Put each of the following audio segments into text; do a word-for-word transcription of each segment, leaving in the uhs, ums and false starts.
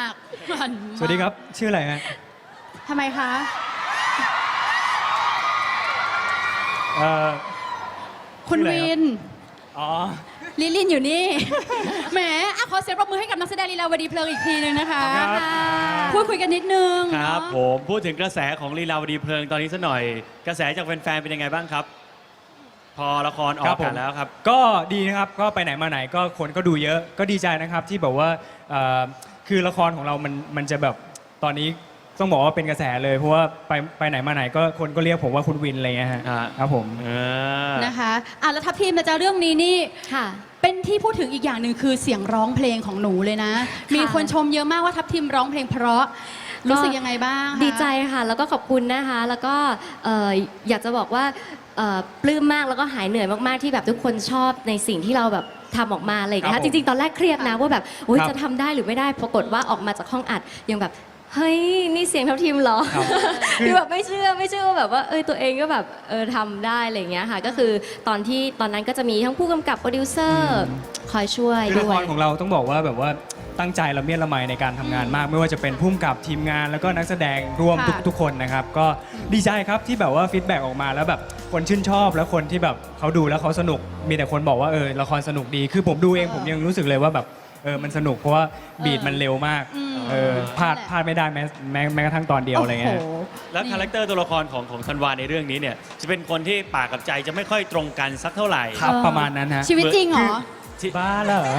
ากมันมากสวัสดีครับชื่ออะไรฮะทำไมคะเอ่อคุณชื่ออะไรครับวินอ๋อลิลินอยู่นี่ แหมอ่ะขอเสียงปรบมือให้กับนักแสดงลีลาวดีเพลิงอีกทีหนึ่งนะคะครับพูดคุยกันนิดนึงครับเนอะผมพูดถึงกระแสของลีลาวดีเพลิงตอนนี้สักหน่อย กระแสจากแฟนๆเป็นยังไงบ้างครับ พอละครออกกันแล้วครับก็ดีนะครับก็ไปไหนมาไหนก็คนก็ดูเยอะก็ดีใจนะครับที่แบบว่าเอ่อคือละครของเรามันมันจะแบบตอนนี้ต้องบอกว่าเป็นกระแสเลยเพราะว่าไปไปไหนมาไหนก็คนก็เรียกผมว่าคุณวินอะไรเงี้ยฮะฮะครับผมเออนะคะอ่ะแล้วทัพทีมนะจ๊ะเรื่องนี้นี่ค่ะเป็นที่พูดถึงอีกอย่างหนึ่งคือเสียงร้องเพลงของหนูเลยนะ มีคนชมเยอะมากว่าทัพทีมร้องเพลงเพราะรู้สึกยังไงบ้างคะดีใจค่ะ แล้วก็ขอบคุณนะคะ แล้วก็เอ่ออยากจะบอกว่าเอ่อปลื้มมากแล้วก็หายเหนื่อยมากๆที่แบบทุกคนชอบในสิ่งที่เราแบบทำออกมาอะไรอย่างเงี้ยครับจผมริงๆ ตอนแรกเครียดนะว่าแบบโอ๊ยครับจะทำได้หรือไม่ได้ปรากฏว่าออกมาจากห้องอัดยังแบบเฮ้ยนี่เสียงทัพทีมเหรอครับคือแบบไม่เชื่อไม่เชื่อว่าแบบว่าเออตัวเองก็แบบเออทำได้อะไรอย่างเงี้ยค่ะก็คือตอนที่ตอนนั้นก็จะมีทั้งผู้กำกับโปรดิวเซอร์คอยช่วยคือละด้คว รยของเราต้องบอกว่าแบบว่าตั้งใจละเมียดละไมในการทำงานมาก ไม่ว่าจะเป็นพุ่มกับทีมงานแล้วก็นักแสดงร่วมทุกค่ะทุกคนนะครับก็ดีใจครับที่แบบว่าฟีดแบ็กออกมาแล้วแบบคนชื่นชอบแล้วคนที่แบบเขาดูแล้วเขาสนุกมีแต่คนบอกว่าเออละครสนุกดีคือผมดูเองผมยังรู้สึกเลยว่าแบบเออมันสนุกเพราะว่าบีดมันเร็วมากอืมเออพลาดพลาดไม่ได้แม้แม้แม้กระทั่งตอนเดียวอะไรเงี้ยโโหแล้วคาแรคเตอร์ตัวละครของของธันวาในเรื่องนี้เนี่ยจะเป็นคนที่ปากกับใจจะไม่ค่อยตรงกันสักเท่าไหร่ครับเออประมาณนั้นฮะชีวิตจริงเหรอบ้าเหรอ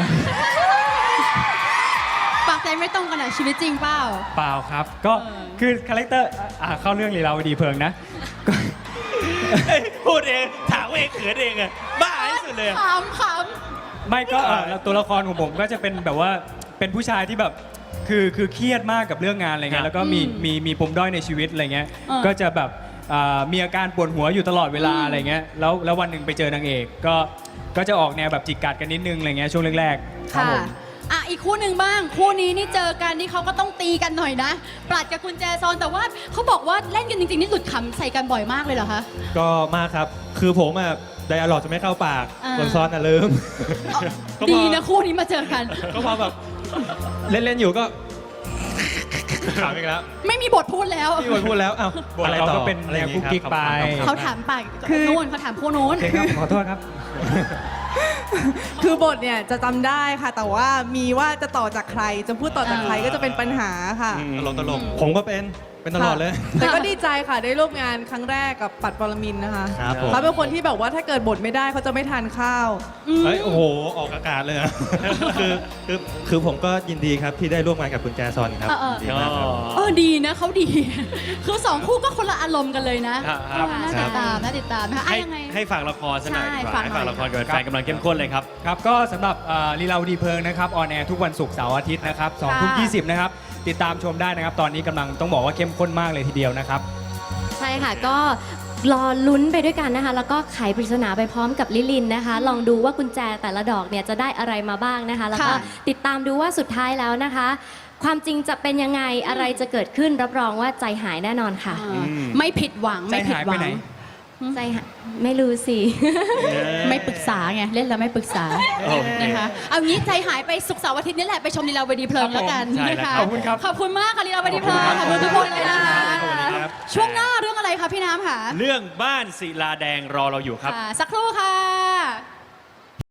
ปากใจไม่ตรงกันอ่ะชีวิตจริงเปล่าเปล่าครับ ก็เออคือคาแรคเตอร์อ่ะเข้าเรื่องลีลาวดีเพลิงนะก็เฮ้ยพูดเองถามเองเขินเองอะบ้าที่สุดเลยอะขำขไม่ก็เอ่อตัวละครของผมก็จะเป็นแบบว่าเป็นผู้ชายที่แบบคือคือเครียดมากกับเรื่องงานอะไรเงี้ยแล้วก็มีมีมีปมด้อยในชีวิตอะไรเงี้ยก็จะแบบอ่ามีอาการปวดหัวอยู่ตลอดเวลาอะไรเงี้ยแล้วแล้ววันหนึ่งไปเจอนางเอกก็ก็จะออกแนวแบบจิกกัดกันนิดนึงอะไรเงี้ยช่วงแรกๆำครับค่ะผมอ่ะอีกคู่หนึ่งบ้าง คู่นี้นี่เจอกันนี่เขาก็ต้องตีกันหน่อยนะ ปลัดกับกุญแจซอนแต่ว่าเขาบอกว่าเล่นกันจริงๆนี่หลุดขำใส่กันบ่อยมากเลยเหรอคะก็มากครับ คือผมอะไดอะล็อกจะไม่เข้าปากอ่าคนซ้อนอะลืม ก็พอดีนะคู่นี้มาเจอกันก็พอแบบเล่น ๆ อยู่ก็ถามอีกแล้วไม่มีบทพูดแล้วพี่วันพูดแล้วอ้าวบทอะไรเราต่อก็เป็นอะไรอย่างงี้แนวกุ๊กกิ๊กครับไปขอบคุณครับเขาถามปากนู้นเขาถามคู่นู้นโอเคครับขอโทษครับคือบทเนี่ยจะจำได้ค่ะ แต่ว่ามีว่าจะต่อจากใคร จะพูดต่อจากใครก็จะเป็นปัญหาค่ะตลกตลกผมก็เป็นเป็นตลอดเลยแต่ก็ดีใจค่ะได้ร่วมงานครั้งแรกกับปัดปรมินทร์นะคะครับผมเขาเป็นคนที่แบบว่าถ้าเกิดบทไม่ได้เขาจะไม่ทานข้าวเฮ้ยโอ้โหออกอากาศเลยอะ คือคือคือผมก็ยินดีครับที่ได้ร่วมงานกับคุณแจซอนครับเออเออดีมากครับเออดีนะเขาดี คือสองคู่ก็คนละอารมณ์กันเลยนะครับเออน่าติดตามน่าติดตามนะคะอ่ะให้ยังไงให้ฝากละครสักหน่อยดีกใช่ว่าฝากให้หน่อยฝากละครกับแฟนๆกำลังเข้มข้นเลยครับครับก็สำหรับเอ่อลีลาวดีเพลิงนะครับออนแอร์ทุกวันศุกร์เสาร์อาทิตย์นะครับสองทุ่มยี่สิบนะครับติดตามชมได้นะครับ ตอนนี้กำลังต้องบอกว่าเข้มข้นมากเลยทีเดียวนะครับใช่ค่ะก็รอลุ้นไปด้วยกันนะคะ แล้วก็ไขปริศนาไปพร้อมกับลิลินนะคะ ลองดูว่ากุญแจแต่ละดอกเนี่ยจะได้อะไรมาบ้างนะคะ แล้วก็ค่ะติดตามดูว่าสุดท้ายแล้วนะคะ ความจริงจะเป็นยังไงอะไรจะเกิดขึ้นรับรองว่าใจหายแน่นอนค่ะเออไม่ผิดหวังไม่ผิดหวัใจหายไปงไหนใจหายไม่รู้สิไม่ปรึกษาไงเล่นแล้วไม่ปรึกษาโอเคนะคะเอางี้ใจหายไปศุกร์เสาร์อาทิตย์นี่แหละไปชมลีลาวดีเพลิงแล้วกันใช่นะแล้วคะขอบคุณครับขอบคุณมากค่ะลีลาวดีเพลิงขอบคุณทุกคนเลยนะคะสวัสดีครับช่วงหน้าเรื่องอะไรคะพี่น้ำค่ะเรื่องบ้านศิลาแดงรอเราอยู่ครับค่ะสักครู่ค่ะ